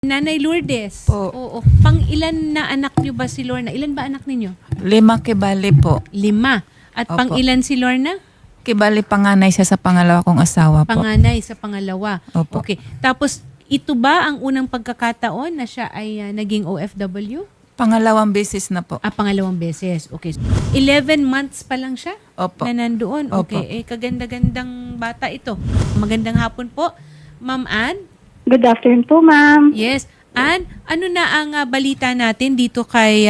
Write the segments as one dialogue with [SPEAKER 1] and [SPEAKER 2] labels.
[SPEAKER 1] Nanay Lourdes.
[SPEAKER 2] Po.
[SPEAKER 1] Oo. Pang ilan na anak niyo ba si Lorna? Ilan ba anak ninyo?
[SPEAKER 2] 5 kibali po.
[SPEAKER 1] 5. At
[SPEAKER 2] Opo.
[SPEAKER 1] pang ilan si Lorna?
[SPEAKER 2] Kibali panganay siya sa pangalawa kong asawa po.
[SPEAKER 1] Panganay sa pangalawa.
[SPEAKER 2] Opo.
[SPEAKER 1] Okay. Tapos ito ba ang unang pagkakataon na siya ay naging OFW?
[SPEAKER 2] Pangalawang beses na po.
[SPEAKER 1] Pangalawang beses. Okay. 11 months pa lang siya
[SPEAKER 2] Opo.
[SPEAKER 1] na nandoon.
[SPEAKER 2] Opo.
[SPEAKER 1] Okay. Kaganda-gandang bata ito. Magandang hapon po. Ma'am Ann?
[SPEAKER 3] Good afternoon po, ma'am.
[SPEAKER 1] Yes. Ann, ano na ang balita natin dito kay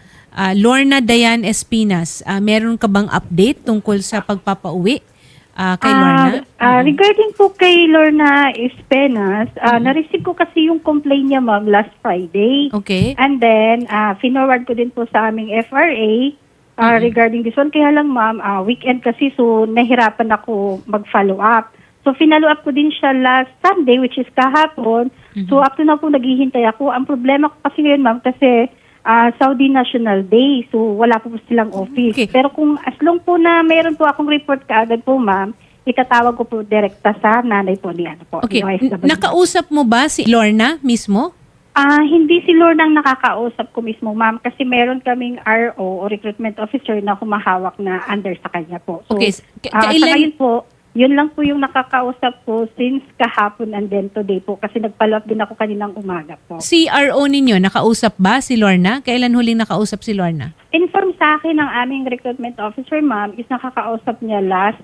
[SPEAKER 1] Lorna Diane Espinas? Meron ka bang update tungkol sa pagpapauwi kay Lorna?
[SPEAKER 3] Regarding po kay Lorna Espenas, na-receive ko kasi yung complaint niya, ma'am, last Friday.
[SPEAKER 1] Okay.
[SPEAKER 3] And then, finorward ko din po sa aming FRA regarding this one. Kaya lang, ma'am, weekend kasi, so nahirapan ako mag-follow up. So, finalo up ko din siya last Sunday, which is kahapon. So, up to na po naghihintay ako. Ang problema ko kasi ngayon, ma'am, kasi Saudi National Day. So, wala po silang office.
[SPEAKER 1] Okay.
[SPEAKER 3] Pero kung as long po na mayroon po akong report kaagad po, ma'am, itatawag ko po direkta sa nanay po ni ano po.
[SPEAKER 1] Okay.
[SPEAKER 3] ni OFW.
[SPEAKER 1] Nakausap mo ba si Lorna mismo?
[SPEAKER 3] Hindi si Lorna ang nakakausap ko mismo, ma'am, kasi meron kaming RO o recruitment officer na humahawak na under sa kanya po. So,
[SPEAKER 1] Okay.
[SPEAKER 3] sa ngayon po, yun lang po yung nakakausap ko since kahapon and then today po kasi nag-follow up din ako kaninang umaga po.
[SPEAKER 1] Si RO ninyo, nakausap ba si Lorna? Kailan huling nakausap si Lorna?
[SPEAKER 3] Inform sa akin ng aming recruitment officer, ma'am, is nakakausap niya last,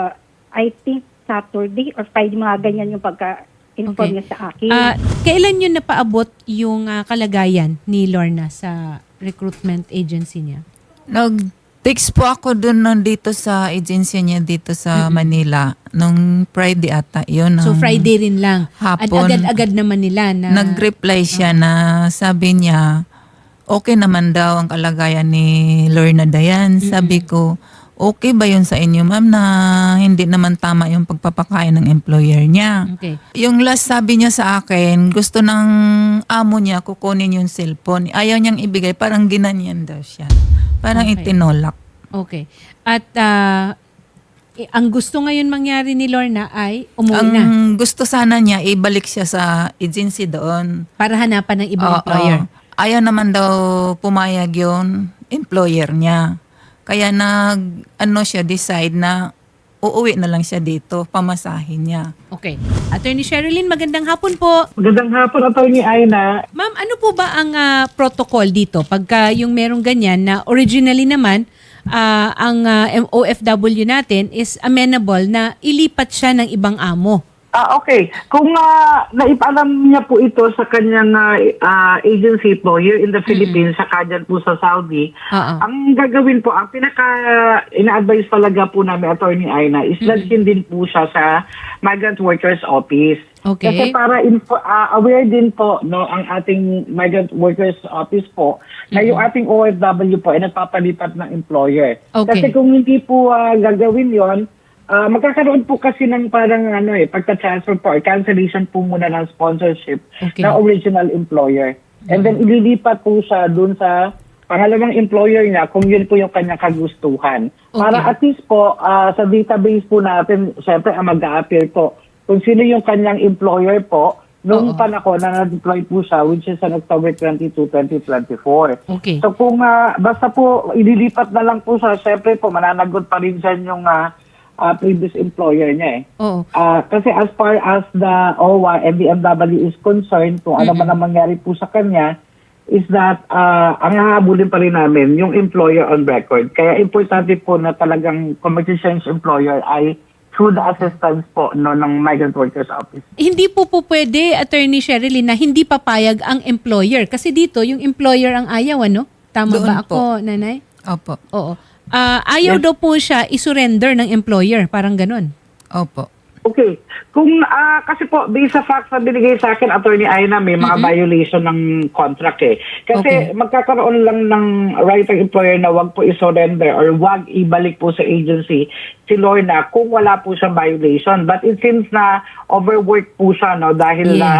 [SPEAKER 3] I think, Saturday or Friday, mga ganyan yung pagka-inform
[SPEAKER 1] Okay.
[SPEAKER 3] niya sa akin.
[SPEAKER 1] Kailan yun napaabot yung kalagayan ni Lorna sa recruitment agency niya?
[SPEAKER 2] Nag-text po ako dun dito sa agency niya dito sa Manila. Nung Friday ata. Yun.
[SPEAKER 1] So Friday rin lang. At
[SPEAKER 2] Hapon.
[SPEAKER 1] agad-agad naman nila na...
[SPEAKER 2] Nag-reply siya na sabi niya, okay naman daw ang kalagayan ni Lorna Diane. Sabi ko, okay ba yun sa inyo, ma'am, na hindi naman tama yung pagpapakain ng employer niya?
[SPEAKER 1] Okay.
[SPEAKER 2] Yung last sabi niya sa akin, gusto ng amo niya kukunin yung cellphone. Ayaw niyang ibigay, parang ginanyan daw siya. Parang
[SPEAKER 1] Okay.
[SPEAKER 2] itinolak.
[SPEAKER 1] Okay. At ang gusto ngayon mangyari ni Lorna ay umuwi na
[SPEAKER 2] Ang gusto sana niya, ibalik siya sa agency doon.
[SPEAKER 1] para hanapan ng ibang
[SPEAKER 2] Oo.
[SPEAKER 1] employer.
[SPEAKER 2] Ayaw naman daw pumayag yung employer niya. Kaya decide na uuwi na lang siya dito, pamasahin niya.
[SPEAKER 1] Okay. Attorney Sherilyn, magandang hapon po.
[SPEAKER 4] Magandang hapon, Atty. Aina.
[SPEAKER 1] Ma'am, ano po ba ang protocol dito? Pagka yung merong ganyan na originally naman, ang OFW natin is amenable na ilipat siya ng ibang amo.
[SPEAKER 4] Okay. Kung naipaalam niya po ito sa kanyang agency po here in the Philippines, sa dyan po sa Saudi,
[SPEAKER 1] Oo.
[SPEAKER 4] ang gagawin po, ang ina-advise talaga po namin, Atty. Aina, is dalhin din po siya sa Migrant Workers Office.
[SPEAKER 1] Okay.
[SPEAKER 4] Kasi para aware din po ang ating Migrant Workers Office po na yung ating OFW po ay nagpapalipat ng employer.
[SPEAKER 1] Okay.
[SPEAKER 4] Kasi kung hindi po gagawin yon, magkakaroon po kasi ng parang pagka-transfer po or cancellation po muna ng sponsorship
[SPEAKER 1] Okay.
[SPEAKER 4] ng original employer. And then ililipat po siya dun sa pangalawang employer niya kung yun po yung kanyang kagustuhan. Para
[SPEAKER 1] Okay.
[SPEAKER 4] at least po sa database po natin, syempre ang mag-a-appear po kung sino yung kanyang employer po noong panahon na na-deploy po siya, which is on October 22, 2024.
[SPEAKER 1] Okay.
[SPEAKER 4] So kung basta po ililipat na lang po siya, syempre po mananagot pa rin dyan yung previous employer niya
[SPEAKER 1] Oo.
[SPEAKER 4] Kasi as far as the OWA and the MW is concerned, kung ano man ang mangyari po sa kanya, is that ang hahabulin pa rin namin yung employer on record. Kaya importante po na talagang kung mag-change employer ay through the assistance po ng Migrant Workers Office.
[SPEAKER 1] Hindi po pwede, Attorney Sherilyn, na hindi papayag ang employer. Kasi dito, yung employer ang ayaw, ano? Tama
[SPEAKER 2] Doon
[SPEAKER 1] ba
[SPEAKER 2] po.
[SPEAKER 1] ako, nanay?
[SPEAKER 2] Opo.
[SPEAKER 1] Oo. Ayaw daw po siya isurrender ng employer. Parang ganun.
[SPEAKER 2] Opo.
[SPEAKER 4] Okay. Kung kasi po based sa facts na binigay sa akin, Attorney Aina, may mga violation ng contract Kasi magkakaroon lang ng right ng employer na wag po i-surrender or wag ibalik po sa agency si Lorna kung wala po siyang violation. But it seems na overwork po siya dahil
[SPEAKER 1] Yes.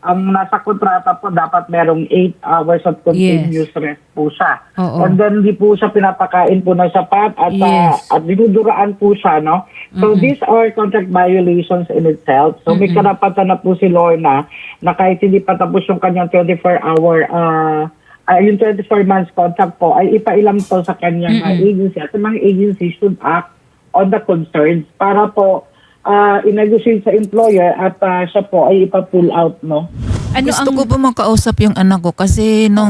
[SPEAKER 4] ang nasa kontrata po dapat merong 8 hours of continuous rest po siya.
[SPEAKER 1] Oo.
[SPEAKER 4] And then hindi po siya pinapakain po ng sapat at
[SPEAKER 1] Yes.
[SPEAKER 4] at dinuduraan po siya, no? So these are contract violations in itself. So may karapatan na po si Lorna na kahit hindi pa tapos yung kanyang 24-hour yung 24 months contract po ay ipailam to sa kanyang agency at ang mga agency should act on the concerns para po i-negotiate sa employer at siya po ay ipa-pull out, no?
[SPEAKER 1] Ano
[SPEAKER 2] Gusto
[SPEAKER 1] ang
[SPEAKER 2] ko po makausap yung anak ko kasi nung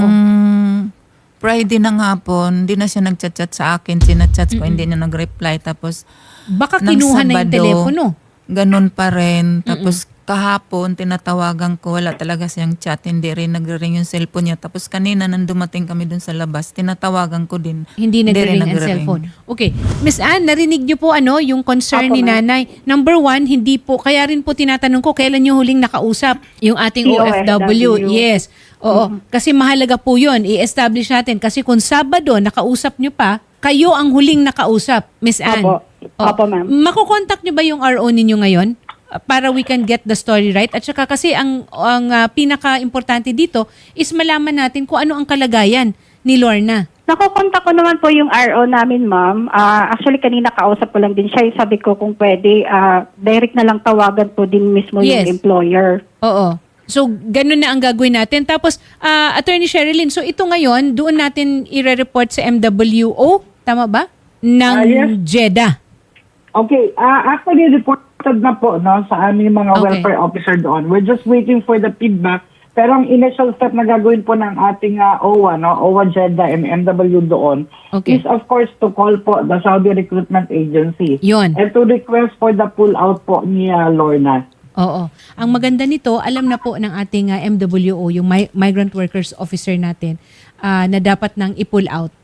[SPEAKER 2] Friday ng hapon, hindi na siya nagchat-chat sa akin. Sinachat ko, hindi niya nag-reply. Tapos,
[SPEAKER 1] baka
[SPEAKER 2] ng
[SPEAKER 1] kinuha na yung
[SPEAKER 2] Sabado,
[SPEAKER 1] telepono.
[SPEAKER 2] ganun pa rin. Tapos, kahapon, tinatawagan ko, wala talaga siyang chat. Hindi rin nagre-ring yung cellphone niya. Tapos, kanina, nang dumating kami dun sa labas, tinatawagan ko din.
[SPEAKER 1] Hindi nagre-ring ang
[SPEAKER 2] nagre-ring.
[SPEAKER 1] cellphone. Okay. Miss Anne, narinig niyo po yung concern
[SPEAKER 3] Apo,
[SPEAKER 1] ni
[SPEAKER 3] ma'am.
[SPEAKER 1] nanay. Number one, hindi po, kaya rin po tinatanong ko, kailan niyo huling nakausap yung ating OFW?
[SPEAKER 3] OFW.
[SPEAKER 1] Yes. Oo. Kasi mahalaga po yun. I-establish natin. Kasi kung Sabado, nakausap niyo pa, kayo ang huling nakausap, Miss Anne.
[SPEAKER 3] Opo. Opo, ma'am.
[SPEAKER 1] Makukontak niyo ba yung RO ninyo ngayon? Para we can get the story right. At saka kasi ang pinaka-importante dito is malaman natin kung ano ang kalagayan ni Lorna.
[SPEAKER 3] Nakukontak ko naman po yung RO namin, ma'am. Actually, kanina kausap ko lang din siya. Sabi ko kung pwede, direct na lang tawagan po din mismo
[SPEAKER 1] Yes.
[SPEAKER 3] yung employer.
[SPEAKER 1] Oo. So, ganun na ang gagawin natin. Tapos, Attorney Sherilyn, so ito ngayon, doon natin i-report sa MWO, tama ba? Ng
[SPEAKER 4] Yes.
[SPEAKER 1] JEDA.
[SPEAKER 4] Okay, actually reported na po, no, sa aming mga
[SPEAKER 1] Okay.
[SPEAKER 4] welfare officer doon. We're just waiting for the feedback. Pero ang initial step na gagawin po ng ating OWA, no, OWA JEDA and MW doon,
[SPEAKER 1] Okay.
[SPEAKER 4] is of course to call po the Saudi Recruitment Agency.
[SPEAKER 1] Yun.
[SPEAKER 4] And to request for the pull-out po ni Lorna.
[SPEAKER 1] Oo. Ang maganda nito, alam na po ng ating MWO, yung Migrant Workers Officer natin, na dapat nang i-pull out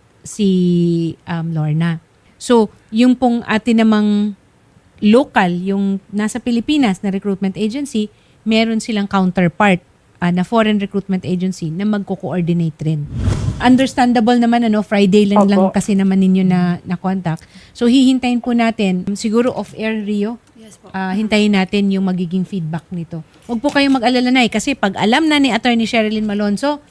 [SPEAKER 1] si Lorna. So, yung pong atin namang local, yung nasa Pilipinas na recruitment agency, meron silang counterpart na foreign recruitment agency na magko-coordinate rin. Understandable naman, Friday lang
[SPEAKER 3] Opo.
[SPEAKER 1] kasi naman ninyo na contact. So, hihintayin po natin, siguro off-air, Rio, hintayin natin yung magiging feedback nito. Huwag po kayong mag-alala na kasi pag alam na ni Attorney Sherilyn Malonzo,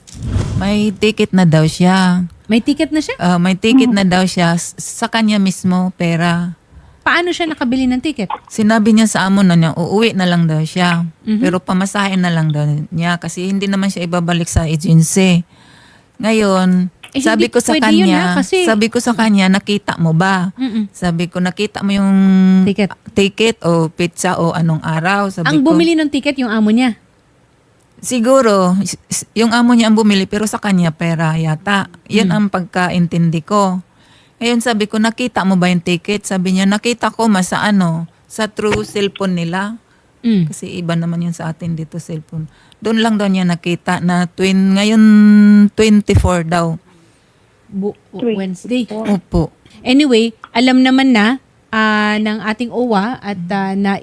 [SPEAKER 2] May ticket na daw siya.
[SPEAKER 1] may ticket na siya.
[SPEAKER 2] May ticket na daw siya sa kanya mismo, pera.
[SPEAKER 1] Paano siya nakabili ng ticket?
[SPEAKER 2] Sinabi niya sa amo na niya, uuwi na lang daw siya. Pero pamasahin na lang daw niya kasi hindi naman siya ibabalik sa agency. Ngayon,
[SPEAKER 1] Eh,
[SPEAKER 2] sabi
[SPEAKER 1] hindi
[SPEAKER 2] ko sa
[SPEAKER 1] pwede yun,
[SPEAKER 2] kanya,
[SPEAKER 1] kasi-
[SPEAKER 2] sabi ko sa kanya, nakita mo ba?
[SPEAKER 1] Mm-mm.
[SPEAKER 2] Sabi ko, nakita mo yung
[SPEAKER 1] Ticket.
[SPEAKER 2] o pizza o anong araw? Sabi
[SPEAKER 1] Ang
[SPEAKER 2] ko,
[SPEAKER 1] bumili ng ticket yung amo niya.
[SPEAKER 2] siguro, yung amo niya ang bumili pero sa kanya pera yata. Yan ang pagkaintindi ko. Ngayon sabi ko, nakita mo ba yung ticket? Sabi niya, nakita ko sa sa true cellphone nila.
[SPEAKER 1] Mm.
[SPEAKER 2] Kasi iba naman yun sa atin dito cellphone. Doon lang daw niya nakita na ngayon 24 daw.
[SPEAKER 1] Wednesday.
[SPEAKER 2] Opo.
[SPEAKER 1] Anyway, alam naman na ng ating OWA at na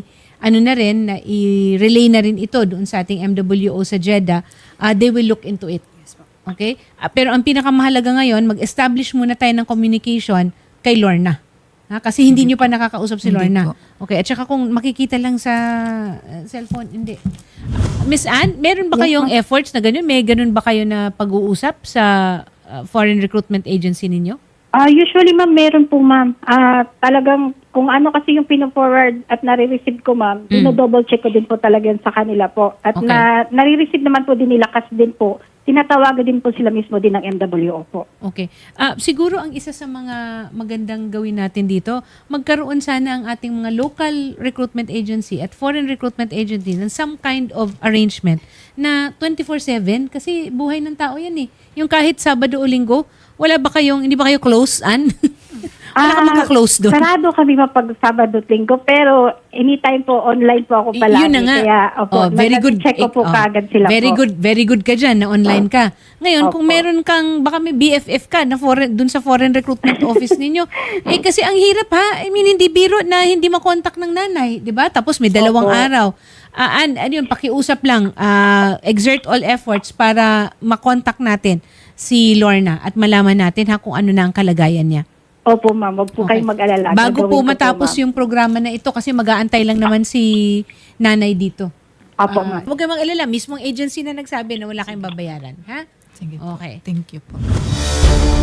[SPEAKER 1] i-relay na rin ito doon sa ating MWO sa JEDA. They will look into it. Okay? Pero ang pinakamahalaga ngayon, mag-establish muna tayo ng communication kay Lorna. Kasi hindi nyo pa nakakausap si
[SPEAKER 2] Hindi
[SPEAKER 1] Lorna.
[SPEAKER 2] po.
[SPEAKER 1] Okay, at saka kung makikita lang sa cellphone, hindi. Miss Anne, meron ba kayong efforts na ganun? May ganun ba kayo na pag-uusap sa foreign recruitment agency ninyo?
[SPEAKER 3] Usually, ma'am, meron po, ma'am. Talagang kung ano kasi yung pino-forward at nare-receive ko, ma'am, double check ko din po talaga yan sa kanila po. At
[SPEAKER 1] Okay.
[SPEAKER 3] nare-receive naman po din nila kasi din po, tinatawagan din po sila mismo din ng MWO po.
[SPEAKER 1] Okay. Siguro ang isa sa mga magandang gawin natin dito, magkaroon sana ang ating mga local recruitment agency at foreign recruitment agency ng some kind of arrangement na 24/7 kasi buhay ng tao yan eh. Yung kahit Sabado o Linggo, hindi ba kayo close, Ann? Wala ka magka-close doon.
[SPEAKER 3] Sarado kami mapag Sabado at Linggo, pero anytime po, online po ako palagi.
[SPEAKER 1] Yun na nga.
[SPEAKER 3] Kaya, opo,
[SPEAKER 1] very good.
[SPEAKER 3] check ko po kaagad sila
[SPEAKER 1] very
[SPEAKER 3] po.
[SPEAKER 1] Very good ka dyan na online ka. Ngayon, kung
[SPEAKER 3] Opo.
[SPEAKER 1] meron kang, baka may BFF ka na dun sa foreign recruitment office ninyo, kasi ang hirap ha, hindi biro na hindi makontak ng nanay, di ba? Tapos may 2 araw. Yun, pakiusap lang, exert all efforts para makontak natin si Lorna at malaman natin kung ano na ang kalagayan niya.
[SPEAKER 3] Opo, ma'am. Huwag po
[SPEAKER 1] Okay.
[SPEAKER 3] kayong mag-alala.
[SPEAKER 1] Bago
[SPEAKER 3] Gagawin
[SPEAKER 1] po
[SPEAKER 3] ko
[SPEAKER 1] matapos
[SPEAKER 3] ma'am.
[SPEAKER 1] yung programa na ito kasi mag-aantay lang naman si nanay dito.
[SPEAKER 3] Opo, ma'am.
[SPEAKER 1] Huwag kayong mag-alala, mismong agency na nagsabi na wala kayong babayaran. Ha?
[SPEAKER 2] Sige po.
[SPEAKER 1] Okay.
[SPEAKER 2] Thank you po.